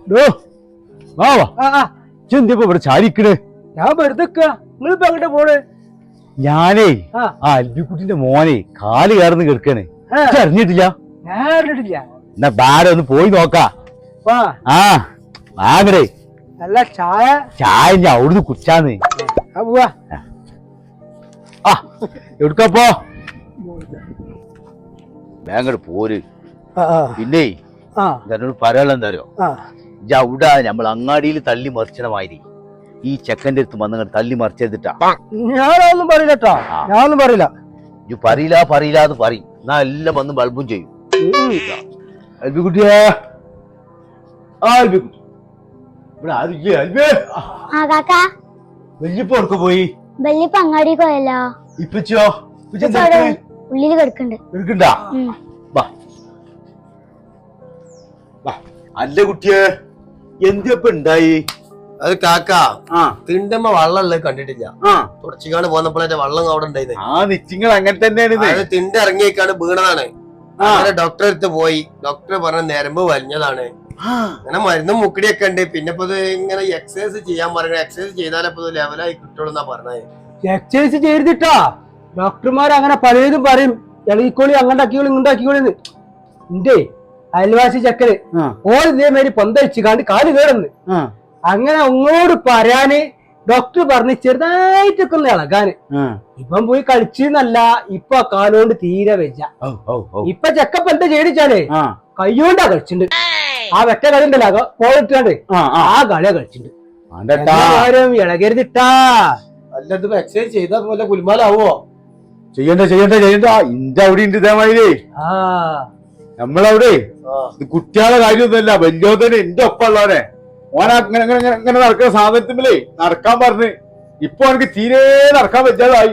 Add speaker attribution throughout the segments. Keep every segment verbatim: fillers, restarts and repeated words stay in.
Speaker 1: ഇവിടെ ചാരിക്കണ്
Speaker 2: ഞാൻ വെറുതെ നിങ്ങളിപ്പോ അങ്ങോട്ട് പോണ്.
Speaker 1: ഞാനേ ആ അൽബിക്കുട്ടിന്റെ മോനെ കാല് കയറുന്ന് കിടക്കണ് അറിഞ്ഞിട്ടില്ല.
Speaker 2: ഞാൻ അറിഞ്ഞിട്ടില്ല.
Speaker 1: എന്നാ ബാര ഒന്ന് പോയി നോക്കാ. ആ വാങ്ങടേ
Speaker 2: നല്ല ചായ.
Speaker 1: ചായ ഞാൻ അവിടുന്ന് കുടിച്ചാന്ന്.
Speaker 2: പോവാ.
Speaker 1: ആ എവിടുക്കപ്പോ ബാങ്കട് പോര്. പിന്നെ എന്നോട് പറയാനുള്ള എന്താ അറിയോ, അവിടെ നമ്മൾ അങ്ങാടിയിൽ തള്ളി മറിച്ചണ മാതിരി ഈ ചെക്കന്റെ അടുത്ത് വന്നങ്ങട് തള്ളി മറിച്ചെടുത്തിട്ടാ.
Speaker 2: ഞാനൊന്നും പറയില്ല കേട്ടോ, ഞാനൊന്നും പറയില്ല.
Speaker 1: ഇജ്ജ് പറയില്ല പറയില്ല എന്ന് പറയും, എന്നാ എല്ലാം വന്ന് ബൾബും ചെയ്യും. അൽബിക്കുട്ടിയാ അൽബിക്കുട്ടി ഇവിടെ ആരില്ലേ? അൽബേ വല്യപ്പോ ഉറക്ക പോയി.
Speaker 3: വല്യപ്പ അങ്ങാടി പോയല്ലോ.
Speaker 1: ഇപ്പച്ചോ
Speaker 3: ഉള്ളില് കിടക്കണ്ട്.
Speaker 1: എടുക്കണ്ടാ അല്ല കുട്ടിയെ എന്തിയപ്പ ഉണ്ടായി?
Speaker 4: അത് കാക്ക തിണ്ടമ്മ വള്ളല്ലേ കണ്ടിട്ടില്ല. തുടച്ചിക്കാണ് പോന്നപ്പോഴേ വള്ളം അവിടെ ഉണ്ടായത്.
Speaker 1: ആ നിച്ചിങ്ങൾ അങ്ങനെ തന്നെയാണ്.
Speaker 4: തിണ്ട ഇറങ്ങിയേക്കാണ് വീണതാണ്. അങ്ങനെ ഡോക്ടറെ അടുത്ത് പോയി. ഡോക്ടർ പറഞ്ഞ ഞരമ്പ് വലിഞ്ഞതാണ്. അങ്ങനെ മരുന്നും മുക്കടിയൊക്കെ ഉണ്ട്. പിന്നെ ഇപ്പൊ ഇങ്ങനെ എക്സസൈസ് ചെയ്യാൻ പറഞ്ഞു. എക്സസൈസ് ചെയ്താലേ ഇപ്പൊ ലെവലായി കിട്ടുള്ളൂ എന്നാ പറഞ്ഞത്.
Speaker 2: എക്സസൈസ് ചെയ്തിട്ടാ ഡോക്ടർമാർ അങ്ങനെ പലതും പറയും. ഇളകിക്കോളി അങ്ങോട്ടാക്കിക്കോളി ഇങ്ങോട്ടാക്കിക്കോളിന്ന്. എന്റെ അയൽവാസി ചക്കര് ഓൾ ഇതേമാതിരി പൊന്തഴിച്ചു കാണ്ട് കാല് കേറുന്നു. അങ്ങനെ അങ്ങോട്ട് പറയാന് ഡോക്ടർ പറഞ്ഞ് ചെറുതായിട്ടൊക്കെ ഒന്ന് ഇളകാന്. ഇപ്പം പോയി കളിച്ചെന്നല്ല, ഇപ്പൊ കാലുകൊണ്ട് തീരെ വെച്ച. ഇപ്പൊ ചെക്കപ്പ് എന്താ ചെയ്തിച്ചാലേ കയ്യോണ്ടാ കളിച്ചിട്ടുണ്ട്. ആ വെറ്റ കളി ഉണ്ടല്ലോ പോയിട്ടാണ്ട് ആ കളിയാ കളിച്ചിട്ടുണ്ട്. ഇളകരുതിട്ടാ.
Speaker 4: അല്ലത് എക്സസൈസ് ചെയ്താ പോലെ കുലുമാലാവോ?
Speaker 1: ചെയ്യണ്ട ചെയ്യണ്ട ചെയ്യണ്ട. ഇന്റെ അവിടെ ഉണ്ട് ഇതേമാതിരി. നമ്മളവിടെ കുട്ടികളെ കാര്യമൊന്നുമല്ല, വലിയോതന്നെ എന്റെ ഒപ്പം ഉള്ളവനെ ഓനെ അങ്ങനെ ഇങ്ങനെ നടക്കുന്ന സാധനത്തിലേ നടക്കാൻ പറഞ്ഞ് ഇപ്പൊ എനിക്ക് തീരെ നടക്കാൻ പറ്റാതായി.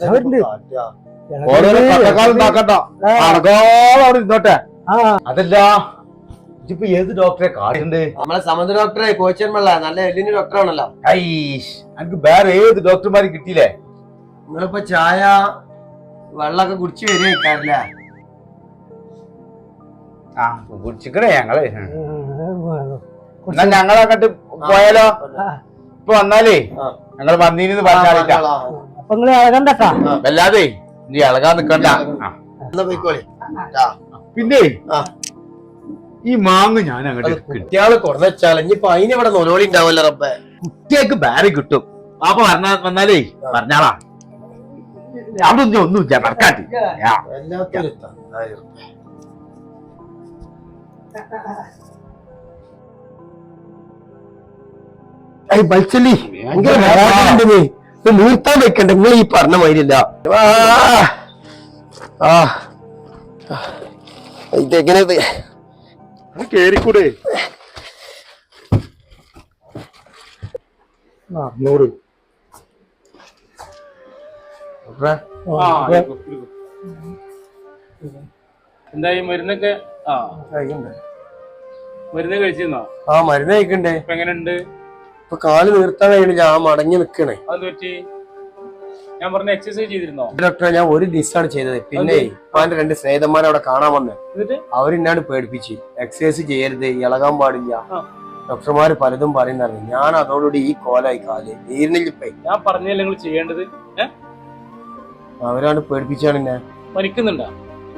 Speaker 1: ഓരോരോ കട്ടക്കാലം ഉണ്ടാക്കണ്ട, നടക്കാതെ അവിടെ നിന്നോട്ടെ. അതല്ല ഇപ്പൊ ഏത് ഡോക്ടറെ കാട്ടുണ്ട്?
Speaker 4: നമ്മളെ സമുദ്ര ഡോക്ടറെ കോച്ചന്മള്ള നല്ല എല്ലിന് ഡോക്ടറാണല്ലോ.
Speaker 1: എനിക്ക് വേറെ ഏത് ഡോക്ടർമാരും കിട്ടിയില്ലേ?
Speaker 4: നിങ്ങളിപ്പോ ചായ വെള്ളമൊക്കെ കുടിച്ചു വരികയല്ലേ?
Speaker 1: ആ കുടിച്ചിക്കണേ ഞങ്ങള്. എന്നാ ഞങ്ങളങ്ങോട്ട് പോയാലോ? ഇപ്പൊ വന്നാലേ ഞങ്ങൾ വന്നീന്ന് പറഞ്ഞാലില്ല.
Speaker 2: അപ്പൊ നിങ്ങള് ഇളകണ്ടട്ടാ.
Speaker 1: വല്ലാതെ നീ ഇളകാൻ നിക്കണ്ട. പിന്നെ ഈ മാങ്ങ ഞാൻ അങ്ങോട്ട്
Speaker 4: കുട്ടികള് കൊണ്ടുവച്ചാൽ ഇനിയിപ്പൊ അതിനിവിടെ നൊലോളി ഉണ്ടാവല്ലോ റബ്ബേ.
Speaker 1: കുട്ടികൾക്ക് ബാരി കിട്ടും. പാപ്പ പറഞ്ഞ വന്നാലേ പറഞ്ഞാളാ. അവിടെ ഒന്നും ഒന്നുമില്ല നടക്കാട്ടി.
Speaker 4: ബൽച്ചല്ലി നിർത്താൻ വെക്കണ്ട. നിങ്ങൾ ഈ പറഞ്ഞ മാതിരില്ല. ഇതെങ്ങനെ
Speaker 1: കേറിക്കൂടെ?
Speaker 2: നൂറ്
Speaker 5: എന്തായി മരുന്നൊക്കെ? ആ മരുന്ന് കഴിച്ചിരുന്നോ?
Speaker 4: ആ മരുന്ന് കഴിക്കണ്ടേ.
Speaker 5: ഇപ്പൊ എങ്ങനെയുണ്ട്?
Speaker 4: ഇപ്പൊ കാല് നിർത്താൻ കഴിയണില്ല, ആ മടങ്ങി നിക്കണേ.
Speaker 5: അത് പറ്റി ഞാൻ പറഞ്ഞ എക്സസൈസ് ചെയ്തിരുന്നോ?
Speaker 4: ഡോക്ടറെ ഞാൻ ഒരു ദിവസമാണ് ചെയ്തത്. പിന്നെ ഇപ്പാന്റെ രണ്ട് സ്നേഹിതന്മാരെ അവിടെ കാണാൻ വന്ന് അവരെന്നാണ് പേടിപ്പിച്ച് എക്സസൈസ് ചെയ്യരുത്, ഇളകാൻ പാടില്ല. ഡോക്ടർമാര് പലതും പറയുന്നറിഞ്ഞു. ഞാൻ അതോടുകൂടി ഈ കോലായി കാല് നീരിനില്ലിപ്പേ.
Speaker 5: ഞാൻ പറഞ്ഞല്ലേ നിങ്ങൾ ചെയ്യേണ്ടത്.
Speaker 4: അവരാണ് പേടിപ്പിച്ചാണ് എന്നെ.
Speaker 5: മരിക്കുന്നുണ്ടോ?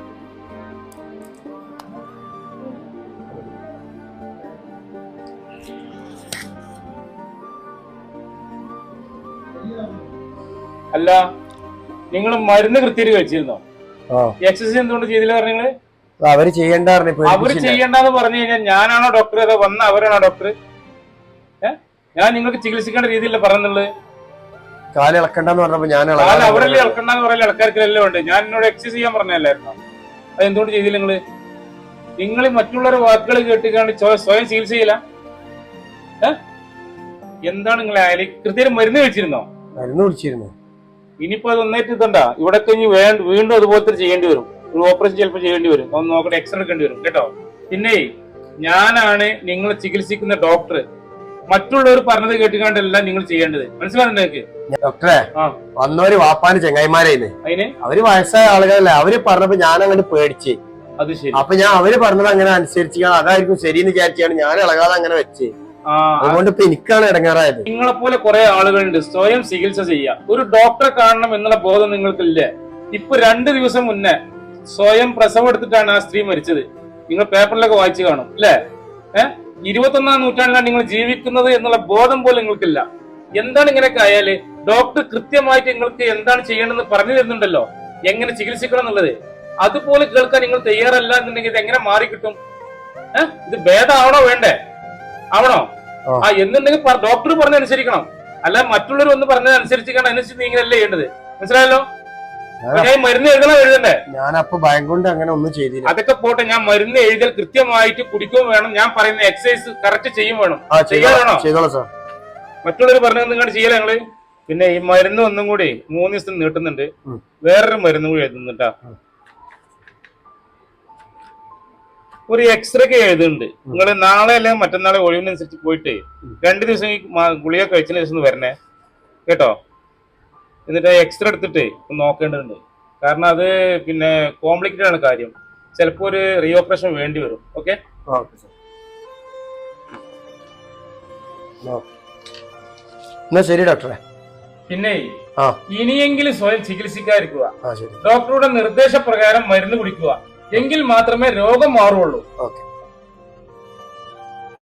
Speaker 5: അല്ല നിങ്ങൾ മരുന്ന് കൃത്യമായിട്ട് കഴിച്ചിരുന്നോ? എക്സസൈസ് എന്തുകൊണ്ട് ചെയ്തില്ല പറഞ്ഞത്?
Speaker 4: അവര് ചെയ്യണ്ട.
Speaker 5: അവര് ചെയ്യണ്ടെന്ന് പറഞ്ഞു കഴിഞ്ഞാൽ ഞാനാണോ ഡോക്ടർ അതോ വന്ന അവരാണോ ഡോക്ടർ? ഏഹ് ഞാൻ നിങ്ങൾക്ക് ചികിത്സിക്കേണ്ട രീതിയിലല്ല പറഞ്ഞുള്ളത്.
Speaker 4: കാല് ഇളക്കണ്ടെന്ന് പറഞ്ഞപ്പോ ഞാൻ
Speaker 5: അവരല്ലേ ഇളക്കണ്ടെന്ന് പറയല്ലേ? ഇളക്കാർക്കെല്ലാം ഉണ്ട്. ഞാൻ എന്നോട് എക്സസൈസ് ചെയ്യാൻ പറഞ്ഞല്ലായിരുന്നോ? അത് എന്തുകൊണ്ട് ചെയ്തില്ല നിങ്ങള്? നിങ്ങൾ മറ്റുള്ളവരുടെ വാക്കുകൾ കേട്ടിക്കാണ്ട് സ്വയം ചികിത്സ ചെയ്യില്ല. ഏഹ് എന്താണ് നിങ്ങളെ അയാൾ കൃത്യമായിട്ട് മരുന്ന് കഴിച്ചിരുന്നോ?
Speaker 4: മരുന്ന് കുടിച്ചിരുന്നു.
Speaker 5: ഇനിയിപ്പോ അത് ഒന്നേറ്റ് ഇതണ്ടാ ഇവിടെ കഴിഞ്ഞ് വീണ്ടും അതുപോലത്തെ ചെയ്യേണ്ടി വരും. ഒരു ഓപ്പറേഷൻ ചിലപ്പോൾ ചെയ്യേണ്ടി വരും. ഒന്ന് നോക്കട്ടെ, എക്സ്റേ എടുക്കേണ്ടി വരും കേട്ടോ. പിന്നെ ഞാനാണ് നിങ്ങളെ ചികിത്സിക്കുന്ന ഡോക്ടർ. മറ്റുള്ളവർ പറഞ്ഞത് കേട്ടുകൊണ്ടല്ല നിങ്ങൾ ചെയ്യേണ്ടത്. മനസ്സിലാകുന്നുണ്ട് നിങ്ങൾക്ക്?
Speaker 4: ഡോക്ടറെ വന്നവര് വാപ്പാന് ചെങ്ങായിമാരായിരുന്നു.
Speaker 5: അതിന്
Speaker 4: അവര് വയസ്സായ ആളുകളല്ലേ. അവര് പറഞ്ഞപ്പോ ഞാൻ അങ്ങോട്ട് പേടിച്ച്
Speaker 5: അത് ശരി.
Speaker 4: അപ്പൊ ഞാൻ അവര് പറഞ്ഞത് അങ്ങനെ അനുസരിച്ച് അതായിരിക്കും ശരിയെന്ന് വിചാരിച്ചാണ് ഞാൻ ഇളകാതെ അങ്ങനെ വെച്ച്.
Speaker 5: ആ
Speaker 4: അതുകൊണ്ട് ഇപ്പൊ എനിക്കാണ് ഇടങ്ങാറായത്.
Speaker 5: നിങ്ങളെ പോലെ കുറെ ആളുകളുണ്ട് സ്വയം ചികിത്സ ചെയ്യുക. ഒരു ഡോക്ടറെ കാണണം എന്നുള്ള ബോധം നിങ്ങൾക്കില്ലേ? ഇപ്പൊ രണ്ടു ദിവസം മുന്നേ സ്വയം പ്രസവം എടുത്തിട്ടാണ് ആ സ്ത്രീ മരിച്ചത്. നിങ്ങൾ പേപ്പറിലൊക്കെ വായിച്ചു കാണും അല്ലെ? ഏഹ് ഇരുപത്തൊന്നാം നൂറ്റാണ്ടിലാണ് നിങ്ങൾ ജീവിക്കുന്നത് എന്നുള്ള ബോധം പോലും നിങ്ങൾക്കില്ല. എന്താണ് ഇങ്ങനെയൊക്കെ ആയാല്? ഡോക്ടർ കൃത്യമായിട്ട് നിങ്ങൾക്ക് എന്താണ് ചെയ്യേണ്ടതെന്ന് പറഞ്ഞു തരുന്നുണ്ടല്ലോ, എങ്ങനെ ചികിത്സിക്കണം എന്നുള്ളത്. അതുപോലെ കേൾക്കാൻ നിങ്ങൾ തയ്യാറല്ല എന്നുണ്ടെങ്കിൽ ഇത് എങ്ങനെ മാറി കിട്ടും? ഏഹ് ഇത് ഭേദമാവണോ വേണ്ടേ? ആവണോ? ആ എന്നുണ്ടെങ്കിൽ ഡോക്ടർ പറഞ്ഞനുസരിക്കണം, അല്ല മറ്റുള്ളവർ ഒന്ന് പറഞ്ഞത് അനുസരിച്ചിരിക്കണം. അനുസരിച്ച് നീങ്ങനല്ലേ ചെയ്യേണ്ടത്. മനസ്സിലായല്ലോ? ഞാൻ മരുന്ന് എഴുതണം എഴുതണ്ടേ?
Speaker 4: ഞാൻ അപ്പൊ ഭയം കൊണ്ട് അങ്ങനെ ഒന്നും ചെയ്തില്ല.
Speaker 5: അതൊക്കെ പോട്ടെ, ഞാൻ മരുന്ന് എഴുതൽ കൃത്യമായിട്ട് കുടിക്കുകയും വേണം, ഞാൻ പറയുന്ന എക്സസൈസ് കറക്റ്റ് ചെയ്യും വേണം. ചെയ്യാനാണോ?
Speaker 4: ചെയ്തോളാം സാർ.
Speaker 5: മറ്റുള്ളവർ പറഞ്ഞത് നിങ്ങൾ ചെയ്യല ഞങ്ങള്. പിന്നെ ഈ മരുന്ന് ഒന്നും കൂടി മൂന്ന് ദിവസം നീട്ടുന്നുണ്ട്, വേറൊരു മരുന്ന് കൂടി എഴുതുന്നുണ്ടാ. ഒരു എക്സ്റേ എഴുതുന്നുണ്ട്. നിങ്ങൾ നാളെ അല്ലെങ്കിൽ മറ്റന്നാളെ ഒഴിവിനനുസരിച്ച് പോയിട്ട് രണ്ടു ദിവസം ഈ ഗുളിക കഴിച്ചതിന് ശേഷം വരണേ കേട്ടോ. എന്നിട്ട് എക്സ്റേ എടുത്തിട്ട് നോക്കേണ്ടതുണ്ട്. കാരണം അത് പിന്നെ കോംപ്ലിക്കേറ്റഡ് ആണ് കാര്യം. ചിലപ്പോ ഒരു റീ ഓപ്പറേഷൻ വേണ്ടി വരും. ഓക്കെ
Speaker 4: എന്നാ ശരി ഡോക്ടറെ.
Speaker 5: പിന്നെ ഇനിയെങ്കിലും സ്വയം ചികിത്സിക്കാതിരിക്കുക.
Speaker 4: ശരി.
Speaker 5: ഡോക്ടറുടെ നിർദ്ദേശപ്രകാരം മരുന്ന് കുടിക്കുക. എങ്കിൽ മാത്രമേ രോഗം മാറുള്ളൂ.
Speaker 4: ഓക്കെ.